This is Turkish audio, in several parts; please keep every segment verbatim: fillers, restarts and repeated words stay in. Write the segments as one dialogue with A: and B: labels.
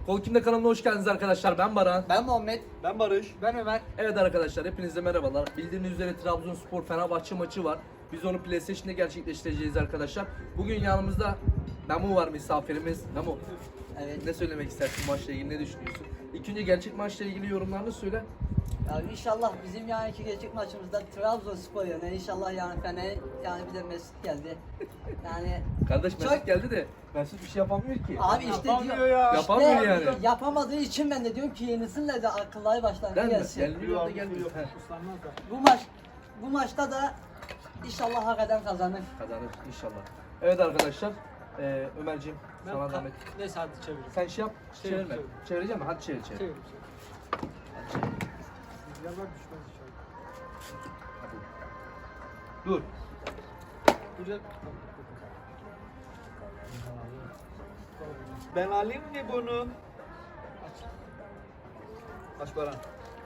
A: Kol Kimde kanalına hoş geldiniz arkadaşlar. Ben Baran.
B: Ben Muhammed.
C: Ben Barış.
B: Ben Ömer.
A: Evet arkadaşlar, hepinize merhabalar. Bildiğiniz üzere Trabzonspor Fenerbahçe maçı var. Biz onu PlayStation'da gerçekleştireceğiz arkadaşlar. Bugün yanımızda Memo var, misafirimiz. Memo,
B: Evet.
A: ne söylemek istersin maçla ilgili, ne düşünüyorsun? İlk önce gerçek maçla ilgili yorumlarını söyle.
B: Ya inşallah bizim yani iki gelecek maçımızda Trabzonspor yani inşallah yani Fener yani bir de Mesut geldi. Yani
A: Kardeş
B: Çok-
A: Mesut geldi de Mesut bir şey yapamıyor ki.
B: abi işte
C: Yapamıyor
B: diyor,
C: ya.
B: işte
A: Yapamıyor yani.
B: yapamadığı için ben de diyorum ki yenisinler de akılları başlarına
A: Değil mi?
B: gelsin.
A: Gelmiyor da gelmiyor. He.
B: Bu maç bu maçta da inşallah hak eden kazanır.
A: Kazanır inşallah. Evet arkadaşlar, ee, Ömerciğim
D: Ben
A: sana
D: ka-
A: zahmet.
D: Neyse hadi çevir.
A: Sen şey yap,
D: Çevir,
A: çevirme.
D: çevir.
A: Çevireceğim mi? Hadi çevir çevir.
D: Çevir.
A: Hadi çevir.
D: Rüzgarlar düşmez inşallah.
A: Hadi. Dur.
D: Güzel.
C: Ben alayım mı bunu? Kaç Baran?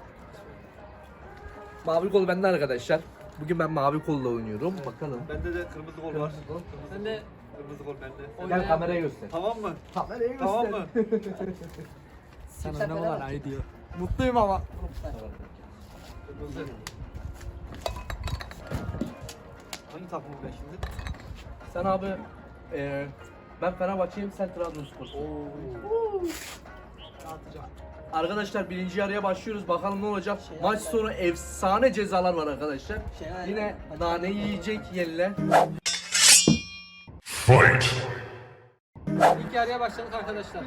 A: Mavi kol bende arkadaşlar. Bugün ben mavi kolla oynuyorum. Bakalım.
C: Bende de kırmızı gol var.
D: Sen de
C: Kırmızı gol bende.
A: Gel kameraya göster.
C: Tamam mı?
A: Kameraya
C: Tamam mı?
D: sen
B: Sen
D: oynamalar
B: beraber.
D: ay diyor. Mutluyum ama.
C: Kırmızı. Hangi takımım ben şimdi?
A: Sen abi, eee ben Fenerbahçe'yim, sen Trabzonspor'sun.
D: Dağıtacağım.
A: Arkadaşlar birinci yarıya başlıyoruz. Bakalım ne olacak.
B: Şey
A: Maç
B: yapma.
A: sonu efsane cezalar var arkadaşlar.
B: Şey yapma.
A: Yine
B: Maç
A: nane
B: yapma.
A: yiyecek yeniler.
D: İlk yarıya başladık arkadaşlar.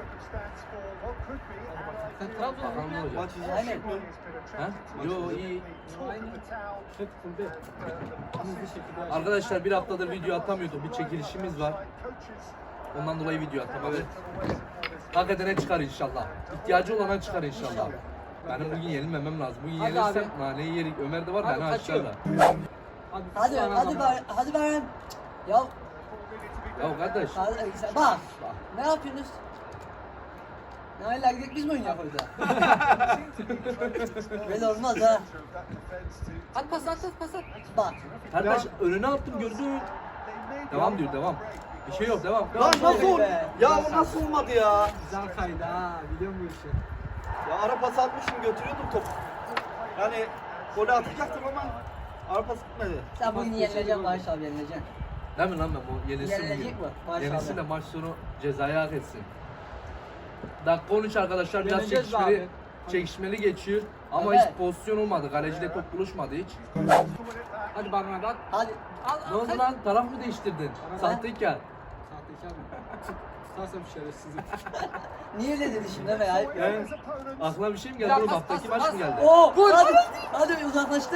D: Sen Trabzon'da
A: Bakalım ne olacak.
C: Maç
B: Aynen.
C: izlemiş mi?
A: Ha? Yo iyi.
D: Aynı. Hep fullde. Hızlı şekilde.
A: Arkadaşlar bir haftadır video atamıyorduk. Bir çekilişimiz var. Ondan dolayı video atamadık. Hak edene çıkar inşallah. İhtiyacı olana çıkar inşallah. Benim bugün yenilmemem lazım. Bugün
D: Hadi
A: yenilirsem
D: abi.
A: naneyi yerik. Ömer de var,
D: Hadi
A: beni
D: kaçıyor.
A: aşağıda.
D: Hadi,
B: Hadi
D: sana
B: hadi
D: zaman.
B: Baran, hadi Baran. Ya
A: Ya kardeş.
B: hadi, sen- bak ne yapıyorsunuz? Ne hala gidelim biz mi oynayak orada? Böyle olmaz ha.
D: At pas at at pas at.
B: Bak.
A: Kardeş önüne attım, gördün. Devam diyor, devam. Bir şey yok, devam.
C: Lan nasıl oldu?
B: be.
C: Ya bu nasıl olmadı ya?
D: Güzel kaydı ha. Biliyorum bu işi.
C: Ya ara pas atmışım götürüyordum topu. Yani golü atacaktım ama ara pas gitmedi.
B: Sen bugün yenileceksin Barış abi yenileceksin.
A: Değil mi lan ben bu yenilsin
B: Yenilecek
A: bugün.
B: mi? Maşallah.
A: Yenilsin de maç sonu cezayı hak etsin. Dakika on üç arkadaşlar, biraz
D: Yeneceğiz
A: çekişmeli,
D: abi.
A: çekişmeli geçiyor. Ama
B: Evet.
A: hiç pozisyon olmadı. Kaleciyle top buluşmadı hiç.
D: Hadi Baran abi at.
B: Hadi.
D: Al
A: Ne oldu lan? Taraf mı değiştirdin?
D: Bana-
A: Sahtekar.
D: Sahtekar mı? Tutarsam şerefsizim.
B: Niye öyle dedi şimdi Ömer ayıp ya?
A: Ben, aklına bir şey mi geldi
D: Ya
A: oğlum?
D: pas,
A: Haftaki
D: pas,
A: maç
D: pas.
A: mı geldi?
B: Oo, hadi, hadi uzaklaştı.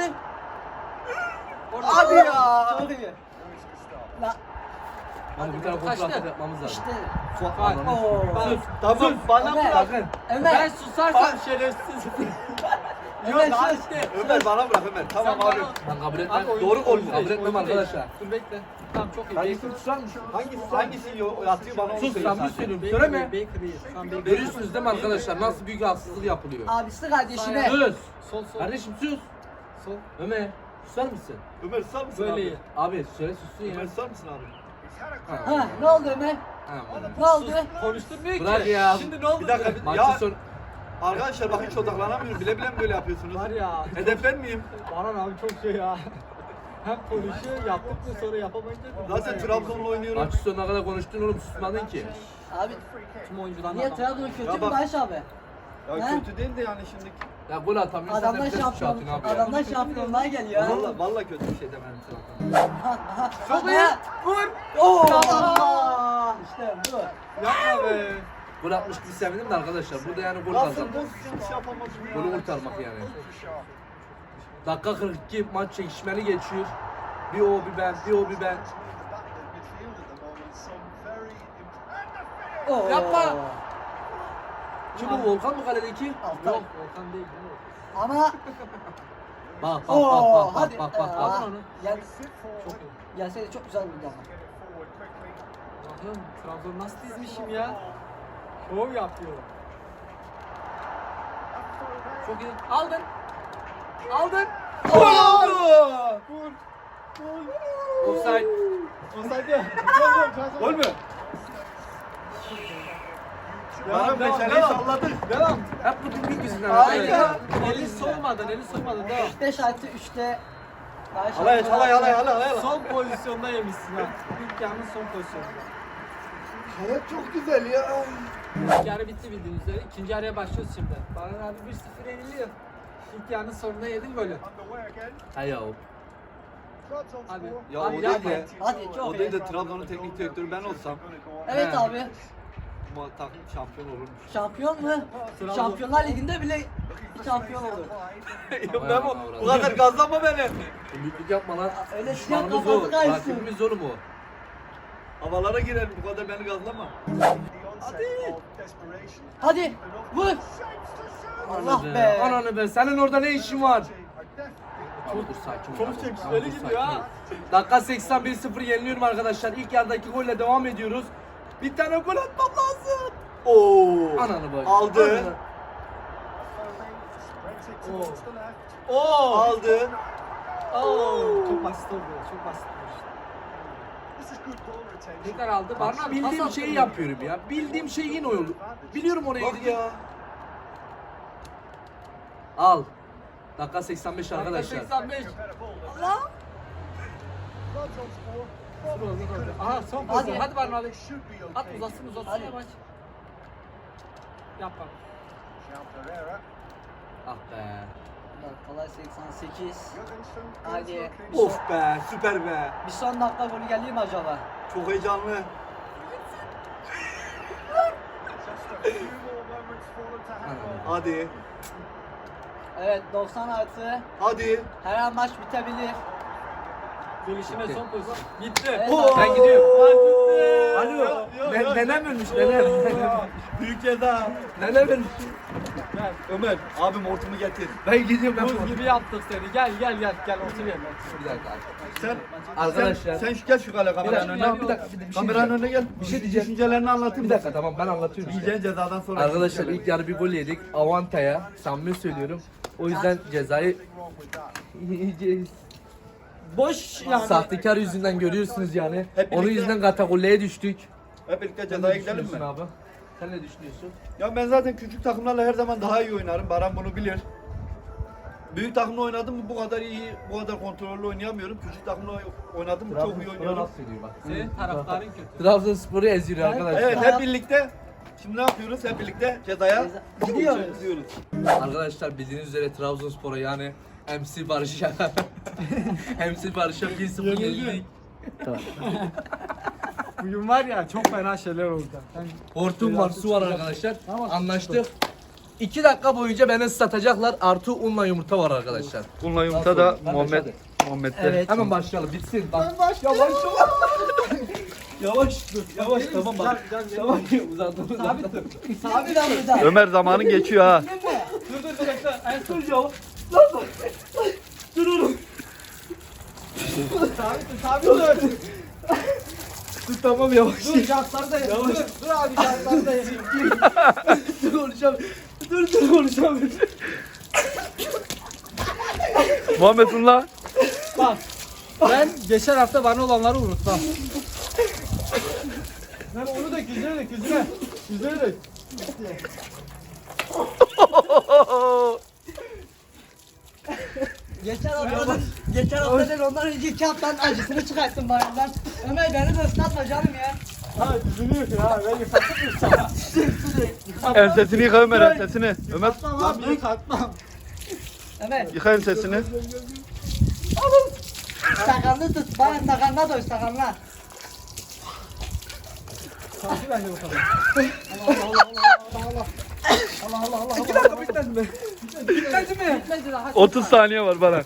C: Hadi ya.
B: Çok iyi. La,
A: Hadi bir tane kontrol
D: Kaçtı.
A: atak yapmamız lazım.
B: işte.
D: Faal.
B: Oo.
A: Sus.
C: Tamam bana
B: Ömer.
C: bırak.
A: Sakın.
B: Ömer.
D: Ben susarsam şerefsiz.
B: Ömer
C: Lan
B: sus.
C: işte. Ömer bana bırak Ömer. Tamam
D: Sen
C: abi.
D: bana-
A: Ben kabul
D: Abi
A: etmem.
D: oyun-
A: Doğru gol
D: oyun
A: mü?
D: değil,
A: Kabul etmem
D: oyun değil.
A: arkadaşlar.
D: Dur bekle. Tamam çok iyi.
A: Hangisini
D: Baker-
A: tutar mısın?
C: Hangisi hangisi yo- atıyor bana onu
A: Sus,
C: söyle
A: sen bir
C: zaten.
A: söylüyorum.
D: Baker
A: Söyleme.
D: iyi, Baker iyi. Tamam, Baker iyi.
A: Görüyorsunuz değil mi arkadaşlar? Nasıl büyük haksızlık yapılıyor.
B: Abisi kardeşine.
A: Sus.
D: Sol sol.
A: Kardeşim sus.
D: Sol.
A: Ömer susar mısın?
C: Ömer susar mısın
D: Böyle
C: abi?
D: iyi.
A: Abi söyle sussun ya.
C: Ömer susar mısın abi?
A: Ha.
B: Ha, ne oldu Ömer?
A: Ha.
B: Ne oldu?
D: Konuşturmuyor ki.
A: Bırak ya.
D: Şimdi ne oldu?
C: Bir dakika. bir-
A: Maçın
C: Ya
A: sonu.
C: arkadaşlar bak hiç odaklanamıyorum. Bile bile mi böyle yapıyorsunuz?
D: Var ya.
C: Hedefler miyim?
D: Baran abi çok şey ya. Hem konuşuyor yaptık mı sonra yapamayınca.
C: Zaten Trabzon'la oynuyorum.
A: Maçın sonuna kadar konuştun oğlum, susmadın ki.
B: Abi
D: Tüm oyuncularla
B: niye
D: adam.
B: Trabzon kötü
C: Ya
B: mü
C: bak-
B: Barış abi?
C: Ya
B: He?
C: kötü değil de yani şimdi.
A: Ya gol atamıyorsan da
B: Adamlar
A: bir de suç
B: şampiyon,
A: atın abi ya.
B: adamlar şampiyonluğa geliyor ha.
C: Valla valla kötü bir şey demedim Trabzon'a.
B: Aha, aha.
D: Çok
B: Aha.
D: iyi. Vur.
B: Oo.
D: Aa!
B: İşte bu.
D: Yapma be.
A: Gol atmış gibi sevindim de arkadaşlar. Burada yani gol
C: Nasıl
A: kazandık.
C: pozisyon şey yapamadım ya?
A: Golü kurtarmak yani. Dakika kırk iki, maç çekişmeli geçiyor. Bir o bir ben, bir o bir ben.
B: Oo.
D: Yapma.
A: Kim bu, Volkan mı kaledeki?
B: Altay.
D: Yok Volkan değil. değil mi?
B: Ama
A: Bak bak bak
B: Oo,
A: bak bak
B: hadi.
A: bak bak.
B: Aa,
A: bak.
D: onu.
B: Gel,
D: Çok iyi.
B: gelseydi çok güzel vurdu ama.
D: Allah'ım Trabzon nasıl dizmişim ya? Şov yapıyor. Çok iyi. Aldın. Aldın.
C: Vur!
A: Offside.
C: Gol mü? Baran
D: devam,
C: meşaleyi
D: devam.
C: salladık.
D: Devam.
A: Hep bu tipik yüzünden.
C: Harika.
D: Eli soğumadan, eli soğumadan devam.
B: beş artı üçte
C: Halay halay halay halay halay.
D: Son pozisyonda yemişsin ha. İlk yarının son pozisyonu.
C: Hayat çok güzel ya.
D: İlk yarı bitti bildiğiniz üzere. İkinci yarıya başlıyoruz şimdi. Baran abi bir sıfır yeniliyor. İlk yarının sonunda yedin golü.
A: Hay ya.
D: Abi.
C: Ya
D: abi
C: o
D: yapma.
C: değil de,
B: Hadi çok
C: o
B: iyi.
C: değil de Trabzon'un teknik direktörü ben olsam
B: Evet
A: He.
B: abi.
C: bu takım şampiyon olurmuş.
B: Şampiyon mu?
D: Trabzon.
B: Şampiyonlar Ligi'nde bile şampiyon olur.
C: ben bu, bu kadar gazlama beni.
A: Büyüklük yapma lan.
B: Öyle siyah
A: Düşmanımız o.
B: kafanı kaysın.
A: Rakibimiz oğlum o.
C: Havalara girelim bu kadar beni gazlama.
B: Hadi vur. Allah
A: Ananı
B: be.
A: Ananı be. Senin orada ne işin var? Abi dur sakin ol.
D: Çok
A: abi.
D: çekişmeli
A: Abi dur,
D: gidiyor
A: sakin
D: ha.
A: ol. Dakika seksen bir sıfır yeniliyorum arkadaşlar. İlk yarıdaki golle devam ediyoruz. Bir tane gol atmam lazım.
C: Oo.
A: Ananı bak.
C: Aldı.
A: Ananı.
C: Oo. Aldı.
D: Oo. Çok basit oldu. Çok basit oldu. Tekrar aldı. Baran abi
A: Bildiğim
D: pas
A: şeyi
D: attı.
A: yapıyorum ya. Bildiğim şey yine olur. Biliyorum oraya
C: Bak
A: gideceğim.
C: ya.
A: Al. Dakika seksen beş
D: Dakika
A: arkadaşlar.
D: seksen beş.
B: Allah.
D: Dur, dur, dur. Aha son pozisyon. Hadi Baran abi. At uzatsın uzatsın
B: Hadi.
D: ya maç. Yap bak.
A: Ah be.
B: Dakikalar seksen sekiz. Hadi.
C: Of be süper be.
B: Bir son dakika golü gelir mi acaba?
C: Çok heyecanlı. Hadi.
B: Evet doksan artı.
C: Hadi.
B: Her an maç bitebilir.
D: Gelişine son pozisyon. Gitti.
B: Evet,
C: Oo.
A: Ben gidiyorum.
C: Alo.
A: Alo. Ne, nenem ölmüş nenem.
C: Büyük ceza.
A: Nenem ölmüş.
D: Gel.
C: Ömer abim hortumu getir.
A: Ben gidiyorum ben.
D: Buz gibi yaptık seni. Gel gel gel. Gel otur yerine.
A: Bir dakika.
C: Sen
A: Arkadaşlar.
C: sen, sen şu gel şu kale kameranın
A: Bir dakika,
C: önüne.
A: bir dakika, bir- bir şey
C: Kameranın
A: diyeceğim.
C: önüne gel.
A: Bir şey diyeceğim.
C: Düşüncelerini anlatır
A: Bir dakika tamam ben anlatıyorum işte.
C: Yiyeceğin cezadan sonra.
A: Arkadaşlar ilk yarı bir gol yedik. Avanta'ya. Samimi söylüyorum. O yüzden cezayı yiyeceğiz.
D: Boş yani.
A: Sahtekar yüzünden görüyorsunuz yani.
C: Hep
A: Onun
C: birlikte-
A: yüzünden katakulleye düştük.
C: Hep birlikte
A: Sen
C: cezaya
A: ne
C: gidelim mi?
A: düşünüyorsun abi? Sen ne düşünüyorsun?
C: Ya ben zaten küçük takımlarla her zaman daha iyi oynarım. Baran bunu bilir. Büyük takımla oynadım mı bu kadar iyi, bu kadar kontrollü oynayamıyorum. Küçük takımla oynadım mı çok iyi oynuyorum.
D: Senin taraftarın kötü.
A: Trabzonspor'u eziyor arkadaşlar.
C: Evet hep birlikte. Şimdi ne yapıyoruz? Hep birlikte cezaya
B: Ceza- Gidiyoruz.
C: gidiyoruz.
A: Arkadaşlar bildiğiniz üzere Trabzonspor'a yani M C Barış'a M C Barış'a bir sıfır yenildik.
D: Bugün var ya çok fena şeyler oldu. Ben
A: Hortum var, su var arkadaşlar.
D: Tamam.
A: Anlaştık. iki dakika boyunca beni ıslatacaklar. Artı unla yumurta var arkadaşlar.
C: Bununla
A: yumurta da Muhammed-
C: Muhammed'de.
B: Evet.
A: Hemen başlayalım. Bitsin. Bak.
C: Yavaş yavaş. Yavaş dur. Yavaş tamam bak.
D: Gel, gel, gel.
A: Tamam uzattım uzattım.
D: Sabit dur.
B: Sabit lan burada.
C: Ömer zamanın geçiyor ha.
D: Dur dur dur bekle. En son
A: Dur Dur oğlum.
D: sabit dur sabit dur.
A: Dur tamam yavaş.
D: Dur jantları da yapayım. Dur, dur abi jantları da yapayım.
A: Dur konuşalım. Dur dur konuşalım.
C: Muhammed'unla.
D: Bak. Ben geçen hafta bana olanları unutmam. Ben onu da yüzüne dök yüzüne. Yüzüne dök.
B: Geçen hafta geçen hafta değil ondan önceki haftanın acısını çıkarttım bayramdan. Ömer beni de ıslatma canım ya.
D: Ha yüzünü yıkıyor ha. Ben yıkattım mı sana?
C: Ensesini yıka Ömer ensesini. Ömer
D: Lan bir yıkatmam.
B: Ömer
C: yıka ensesini.
B: sakalını tut. Bana sakalına doy sakalına.
D: Sanki bence bu kadar.
A: İki dakika bitmedi mi? Bitmedi mi?
D: Bitmedi daha.
C: otuz saniye var bana.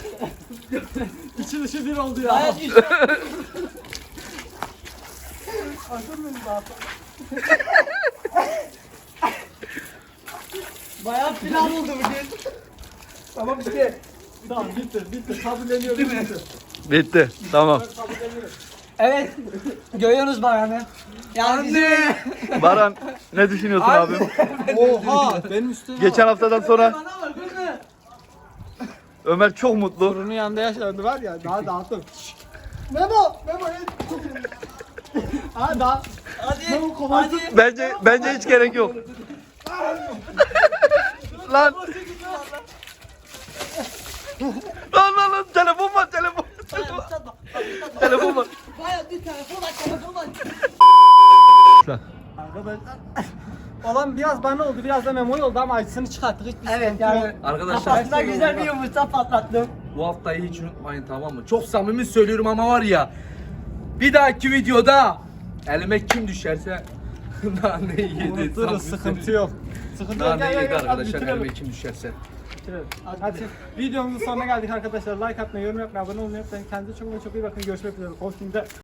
D: İçi dışı bir oldu ya.
B: Hayat işte.
D: Hazır mıyız daha?
B: Bayağı plan oldu bugün.
A: Tamam işte.
D: Tamam bitti bitti. Kabulleniyorum. Bitti.
C: Bitti. Tamam.
D: Kabulleniyorum.
B: Evet. Görüyorsunuz bayanı. Yani bizim-
C: Baran ne düşünüyorsun
A: Anne.
C: abim?
D: Oha benim üstüme
C: Geçen haftadan sonra
B: Bana bak kızım.
C: Ömer çok mutlu.
D: Torunun yanında yaşandı var ya daha dağıttım. Memo! Memo! Ha daha.
B: Hadi.
D: Hadi.
B: Hadi.
C: Bence bence hiç gerek yok. Lan. Lan lan lan telefon var telefon.
B: Bayağı ıslatma. Islatma.
C: Telefon var.
B: Bayağı bir telefon var telefon var.
D: Arkadaşlar. Olan biraz bana oldu, biraz da Memo'ya oldu ama acısını çıkarttık. Hiçbir
B: Evet
D: sıkıntı
B: yani.
D: yok.
A: Arkadaşlar
B: Kafasına güzel bir yumurta patlattım.
A: bu haftayı hiç unutmayın, tamam mı? Çok samimi söylüyorum ama var ya, bir dahaki videoda elime kim düşerse nane yedi.
D: Unuturuz,
A: samimi
D: sıkıntı
A: söylüyorum.
D: yok. Sıkıntı yok.
A: Nane
D: Gel, gel,
A: yedi
D: gel. Hadi
A: arkadaşlar,
D: bitirelim.
A: elime kim düşerse.
D: Bitirelim.
B: Hadi
D: Hadi
B: bitirelim.
D: videomuzun sonuna geldik arkadaşlar. Like atmayı, yorum yapmayı, abone olmayı unutmayın. Kendinize çok çok iyi bakın. Görüşmek üzere. Kostümde.